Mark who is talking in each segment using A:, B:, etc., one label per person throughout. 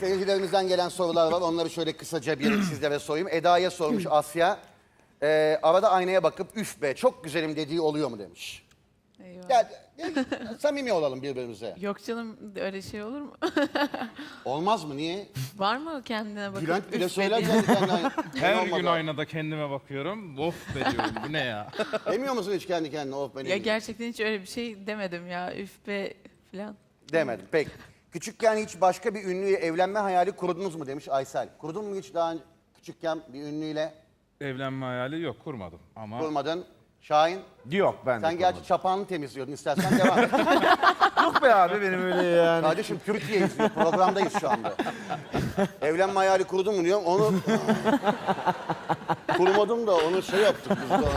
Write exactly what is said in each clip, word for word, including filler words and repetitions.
A: Seyircilerimizden gelen sorular var. Onları şöyle kısaca bir sizlere sorayım. Eda'ya sormuş Asya. Ee, arada aynaya bakıp üf be çok güzelim dediği oluyor mu demiş.
B: Eyvah.
A: Ya, ya, samimi olalım birbirimize.
B: Yok canım, öyle şey olur mu?
A: Olmaz mı? Niye?
B: Var mı kendine bakıp
A: Bülent bile
B: üf
A: söyler
B: dediğin?
A: kendi kendine.
C: Her
A: Olmadı.
C: gün aynada kendime bakıyorum. Of be diyorum. Bu ne ya?
A: Demiyor musun hiç kendi kendine? Of benim.
B: Ya gerçekten hiç öyle bir şey demedim ya, üf be falan.
A: Demedim. Peki. Küçükken hiç başka bir ünlüyle evlenme hayali kurdunuz mu demiş Aysel. Kurdun mu hiç daha önce küçükken bir ünlüyle?
C: Evlenme hayali yok, kurmadım. Ama
A: Kurmadın. Şahin,
D: Yok ben de
A: sen gerçi
D: kurmadım.
A: çapağını temizliyordun. İstersen devam et.
D: Yok be abi benim öyle yani.
A: Kardeşim Türkiye izliyor. Programdayız şu anda. Evlenme hayali kurdun mu diyorum. Onu kurmadım da onu şey yaptık biz de.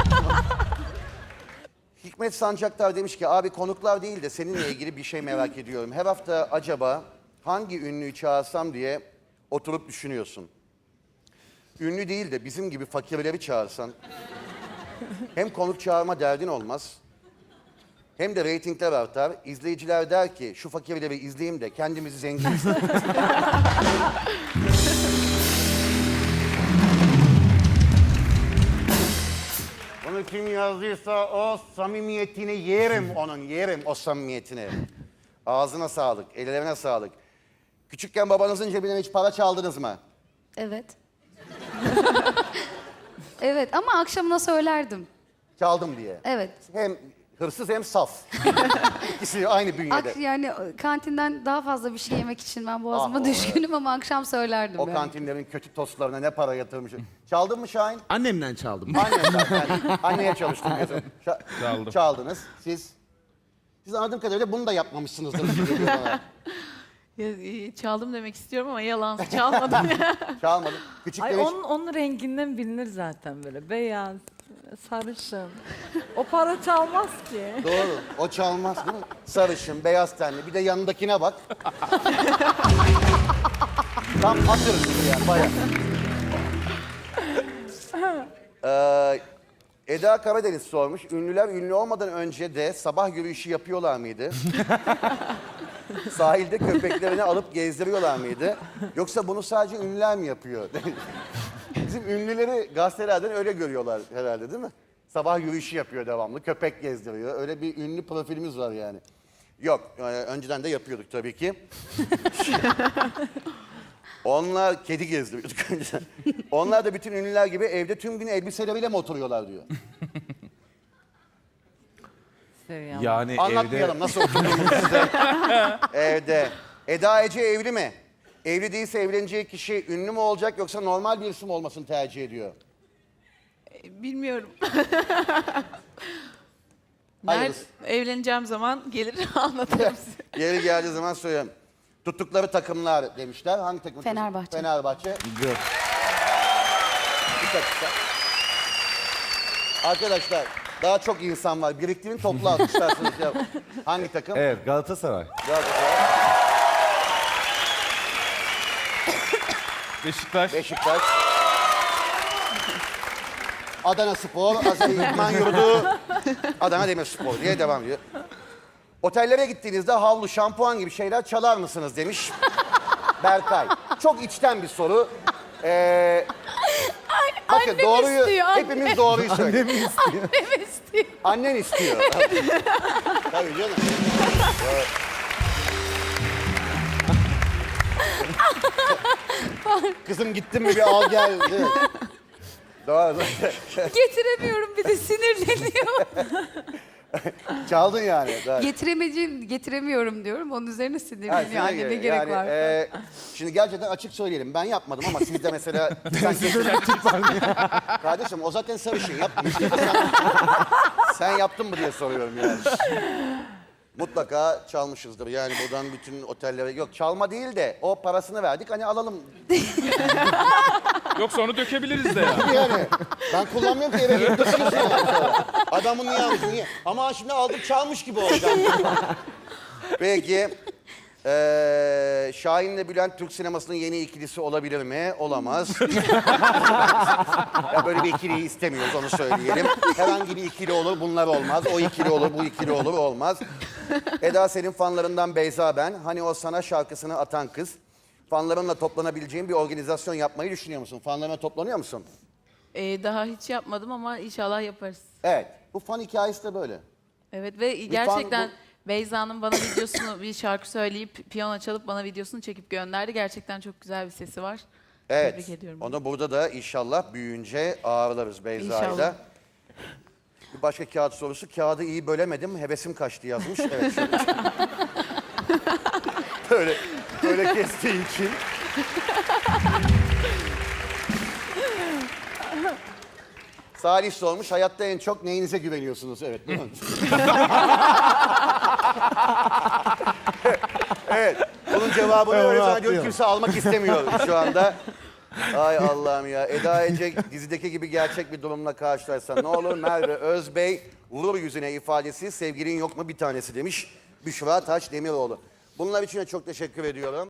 A: Hikmet Sancaktar demiş ki abi konuklar değil de seninle ilgili bir şey merak ediyorum. Her hafta acaba hangi ünlüyü çağırsam diye oturup düşünüyorsun. Ünlü değil de bizim gibi fakirleri çağırsan hem konuk çağırma derdin olmaz hem de reytingler artar. İzleyiciler der ki şu fakirleri izleyeyim de kendimizi zengin hissedelim. Bunu kim yazdıysa o samimiyetini yerim onun, yerim o samimiyetini. Ağzına sağlık, ellerine sağlık. Küçükken babanızın cebinden hiç para çaldınız mı?
E: Evet. Evet ama akşamına söylerdim.
A: Çaldım diye.
E: Evet.
A: Hem hırsız hem saf. İkisi aynı bünyede.
E: Ak yani kantinden daha fazla bir şey yemek için ben boğazıma
A: Ah, o,
E: düşkünüm ama akşam söylerdim
A: O
E: yani.
A: kantinlerin kötü tostlarına ne para yatırmışım. Çaldın mı Şahin?
D: Annemden çaldım.
A: Anne zaten. Anneye çalıştım diyorsun. Ça-
C: Çaldım.
A: Çaldınız. Siz? Siz anladığım kadarıyla bunu da yapmamışsınızdır. gibi geliyor bana.
B: Ya, e, çaldım demek istiyorum ama yalan, çalmadım ya.
A: Çalmadım. Küçükken
F: Ay
A: hiç...
F: onun, onun renginden bilinir zaten böyle beyaz, sarışın. O para çalmaz ki.
A: Doğru. O çalmaz değil mi? Sarışın, beyaz tenli. Bir de yanındakine bak. Tam atırız gibi yani bayağı. Ee, Eda Karadeniz sormuş. Ünlüler ünlü olmadan önce de sabah yürüyüşü yapıyorlar mıydı? Sahilde köpeklerini alıp gezdiriyorlar mıydı? Yoksa bunu sadece ünlüler mi yapıyor? Bizim ünlüleri gazetelerden öyle görüyorlar herhalde değil mi? Sabah yürüyüşü yapıyor devamlı, köpek gezdiriyor. Öyle bir ünlü profilimiz var yani. Yok, e, önceden de yapıyorduk tabii ki. Onlar kedi gezdiriyorduk önceden. Onlar da bütün ünlüler gibi evde tüm gün elbiseleriyle mi oturuyorlar diyor.
F: Seviyorum.
D: Yani
A: Anlatmayalım
D: evde
A: nasıl oturduğumuzu size. Evde. Eda Ece evli mi? Evli değilse evleneceği kişi ünlü mü olacak yoksa normal bir isim olmasını tercih ediyor?
B: E, Bilmiyorum.
A: Hayırlısı.
B: Nerede, evleneceğim zaman gelir anlatırım size.
A: Yeri geldiği zaman söylüyorum. Tuttukları takımlar demişler. Hangi takım?
E: Fenerbahçe.
A: Fenerbahçe.
D: Yok.
A: Bir dakika. Arkadaşlar daha çok insan var. Biriktirin topla isterseniz. Ya. Hangi takım?
D: Evet Galatasaray.
A: Galatasaray.
C: Beşiktaş.
A: Beşiktaş. Adana Spor, Azeri İdman Yurdu, Adana Demirspor diye devam ediyor. Otellere gittiğinizde havlu, şampuan gibi şeyler çalar mısınız demiş Berkay. Çok içten bir soru. Ee, bakın
E: annem
A: doğruyu,
E: istiyor, anne.
A: hepimiz doğruyu söylüyoruz.
E: Annem istiyor.
A: Annen istiyor. Tabii canım. Kızım gittin mi bir al gel. Değil mi? Doğru.
E: Getiremiyorum bir de sinirleniyor.
A: Çaldın yani. Doğru.
E: Getiremeyeceğim, getiremiyorum diyorum. Onun üzerine
A: Ha,
E: sinirleniyor.
A: size
E: Anne
A: göre.
E: ne gerek
A: Yani,
E: var?
A: e, şimdi gerçekten açık söyleyelim. Ben yapmadım ama siz de mesela... sen Kardeşim o zaten sarışın yapmış. Sen, sen yaptın mı diye soruyorum yani. Mutlaka çalmışızdır. Yani buradan bütün otellere... Yok çalma değil de o parasını verdik hani alalım.
C: Yoksa onu dökebiliriz de ya.
A: Yani ben kullanmıyorum ki eve gidip taşıyorsun yani sonra. Adamın niye almış niye? Ama şimdi aldık çalmış gibi olacak. Peki. Ee, Şahin'le Bülent Türk sinemasının yeni ikilisi olabilir mi? Olamaz. Ya böyle bir ikiliyi istemiyoruz onu söyleyelim. Herhangi bir ikili olur bunlar olmaz. O ikili olur bu ikili olur olmaz. Eda senin fanlarından Beyza ben. Hani o sana şarkısını atan kız. fanlarınla toplanabileceğin bir organizasyon yapmayı düşünüyor musun? Fanlarına toplanıyor musun?
B: Ee, daha hiç yapmadım ama inşallah yaparız.
A: Evet. Bu fan hikayesi de böyle.
B: Evet ve
A: fan
B: gerçekten
A: bu-
B: Beyza'nın bana videosunu, bir şarkı söyleyip piyano çalıp bana videosunu çekip gönderdi. Gerçekten çok güzel bir sesi var.
A: Evet.
B: Tebrik ediyorum.
A: Onu burada da inşallah büyüyünce ağırlarız Beyza'yla.
B: İnşallah.
A: Bir başka kağıt sorusu. Kağıdı iyi bölemedim, hevesim kaçtı yazmış. Evet. Şöyle. böyle, böyle kestiği için. Salih sormuş, hayatta en çok neyinize güveniyorsunuz? Evet, değil mi? Evet, bunun cevabını
D: Evet,
A: öyle
D: onu
A: zannediyorum
D: atlıyorum.
A: kimse almak istemiyor şu anda. Ay Allah'ım ya, Eda Ece dizideki gibi gerçek bir durumla karşılaşsa ne olur? Merve Özbey, vurur yüzüne ifadesi, sevgilin yok mu bir tanesi demiş Büşra Taş Demiroğlu. Bunlar için de çok teşekkür ediyorum.